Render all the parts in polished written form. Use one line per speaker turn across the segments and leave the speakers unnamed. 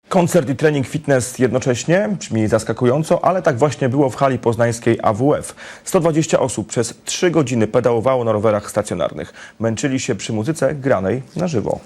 Koncert i trening fitness jednocześnie brzmi zaskakująco, ale tak właśnie było w hali poznańskiej AWF. 120 osób przez 3 godziny pedałowało na rowerach stacjonarnych. Męczyli się przy muzyce granej na żywo.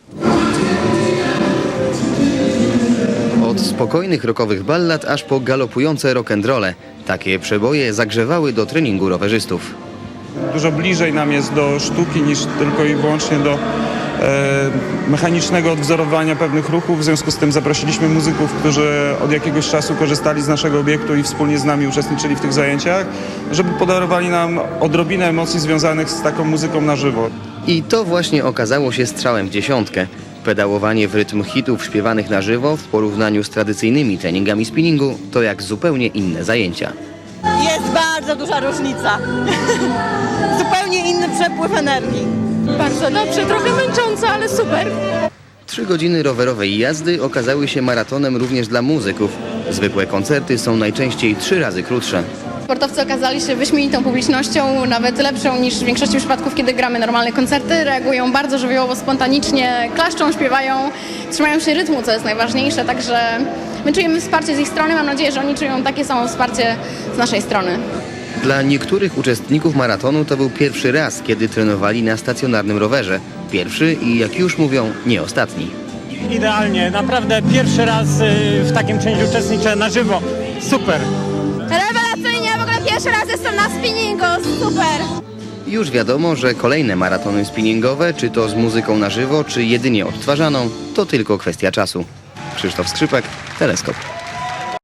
Od spokojnych rockowych ballad aż po galopujące rock'n'rolle. Takie przeboje zagrzewały do treningu rowerzystów.
Dużo bliżej nam jest do sztuki niż tylko i wyłącznie do mechanicznego odwzorowania pewnych ruchów. W związku z tym zaprosiliśmy muzyków, którzy od jakiegoś czasu korzystali z naszego obiektu i wspólnie z nami uczestniczyli w tych zajęciach, żeby podarowali nam odrobinę emocji związanych z taką muzyką na żywo.
I to właśnie okazało się strzałem w dziesiątkę. Pedałowanie w rytm hitów śpiewanych na żywo w porównaniu z tradycyjnymi treningami spinningu to jak zupełnie inne zajęcia.
Jest bardzo duża różnica. Zupełnie inny przepływ energii.
Bardzo dobrze, trochę męcząco, ale super.
3 godziny rowerowej jazdy okazały się maratonem również dla muzyków. Zwykłe koncerty są najczęściej 3 razy krótsze.
Sportowcy okazali się wyśmienitą publicznością, nawet lepszą niż w większości przypadków, kiedy gramy normalne koncerty. Reagują bardzo żywiołowo, spontanicznie, klaszczą, śpiewają, trzymają się rytmu, co jest najważniejsze. Także my czujemy wsparcie z ich strony. Mam nadzieję, że oni czują takie samo wsparcie z naszej strony.
Dla niektórych uczestników maratonu to był pierwszy raz, kiedy trenowali na stacjonarnym rowerze. Pierwszy i, jak już mówią, nie ostatni.
Idealnie, naprawdę pierwszy raz w takim czymś uczestniczę na żywo. Super!
Rewelacyjnie, w ogóle pierwszy raz jestem na spinningu, super!
Już wiadomo, że kolejne maratony spinningowe, czy to z muzyką na żywo, czy jedynie odtwarzaną, to tylko kwestia czasu. Krzysztof Skrzypek, Teleskop.